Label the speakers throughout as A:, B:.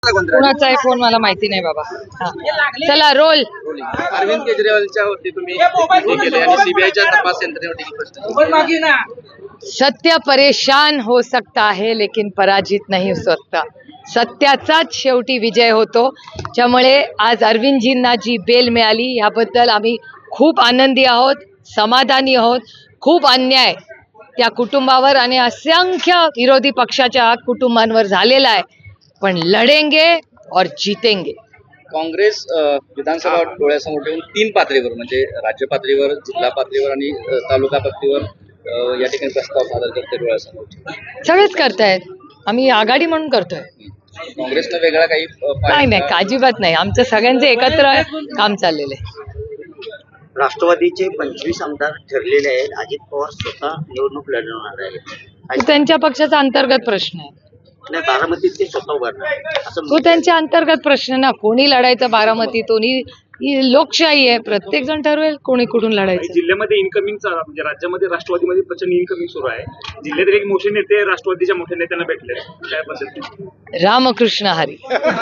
A: कोणाचा आहे फोन मला माहिती नाही बाबा. चला रोल.
B: अरविंद केजरीवालच्या वरती तुम्ही हे केले आणि सीबीआयच्या तपास यंत्रणेवरती
A: सत्य परेशान हो सकता है लेकिन पराजित नहीं हो सकता. सत्याचाच शेवटी विजय होतो. त्यामुळे आज अरविंदजींना जी बेल मिळाली याबद्दल आम्ही खूप आनंदी आहोत, समाधानी आहोत. खूप अन्याय त्या कुटुंबावर आणि असंख्य विरोधी पक्षाच्या कुटुंबांवर झालेला आहे, पण लढेंगे और जीतेंगे.
B: काँग्रेस विधानसभा डोळ्यासमोर ठेवून 3 पातळीवर म्हणजे राज्य पातळीवर, जिल्हा पातळीवर आणि तालुका पातळीवर या ठिकाणी प्रस्ताव सादर करते डोळ्यासमोर.
A: सगळेच करतायत, आम्ही आघाडी म्हणून करतोय.
B: काँग्रेसनं वेगळा काही
A: नाही अजिबात नाही. आमचं सगळ्यांचे एकत्र काम चाललेलं आहे.
C: राष्ट्रवादीचे 25 आमदार ठरलेले आहेत. अजित पवार स्वतः निवडणूक लढवणार आहेत.
A: तो त्यांच्या पक्षाचा अंतर्गत प्रश्न आहे.
C: नाही, बारामतीत ते स्वतः उभारणार असं
A: तो त्यांच्या अंतर्गत प्रश्न ना. कोणी लढायचं बारामतीतून, ही लोकशाही आहे. प्रत्येक जण ठरवेल कोणी कुठून लढायचं.
D: जिल्ह्यामध्ये इन्कमिंगचा म्हणजे राज्यामध्ये राष्ट्रवादीमध्ये प्रचंड इन्कमिंग सुरू आहे. जिल्ह्यातील एक मोठे नेते राष्ट्रवादीच्या मोठ्या नेत्यांना भेटले, काय पद्धती?
A: रामकृष्ण हरी.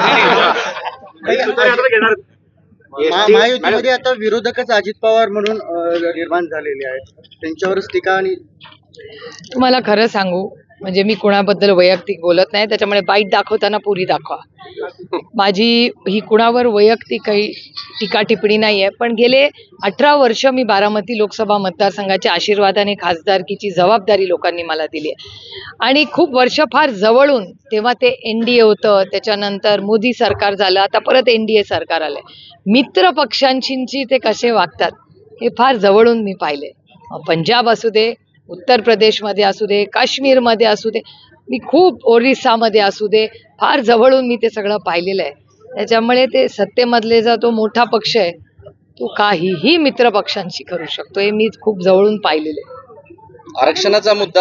D: घेणार
C: महायुतीमध्ये आता विरोधकच अजित पवार म्हणून निर्माण झालेले आहेत. त्यांच्यावरच टीका आणि
A: तुम्हाला खरं सांगू म्हणजे मी कुणाबद्दल वैयक्तिक बोलत नाही, त्याच्यामुळे बाईट दाखवताना पुरी दाखवा. माझी ही कुणावर वैयक्तिक काही टीका टिप्पणी नाही आहे, पण गेले 18 वर्ष मी बारामती लोकसभा मतदारसंघाच्या आशीर्वादाने खासदारकीची जबाबदारी लोकांनी मला दिली आहे. आणि खूप वर्ष फार जवळून, तेव्हा ते NDA होतं, त्याच्यानंतर मोदी सरकार झालं, आता परत NDA सरकार आलंय. मित्र पक्षांशी ते कसे वागतात हे फार जवळून मी पाहिले. पंजाब असू दे, उत्तर प्रदेशमध्ये असू दे, काश्मीरमध्ये असू दे, मी खूप ओरिसामध्ये असू दे, फार जवळून मी ते सगळं पाहिलेलं आहे. त्याच्यामुळे ते सत्तेमधले जो तो मोठा पक्ष आहे तो काहीही मित्र पक्षांशी करू शकतो, हे मी खूप जवळून पाहिलेलं आहे.
B: आरक्षणाचा मुद्दा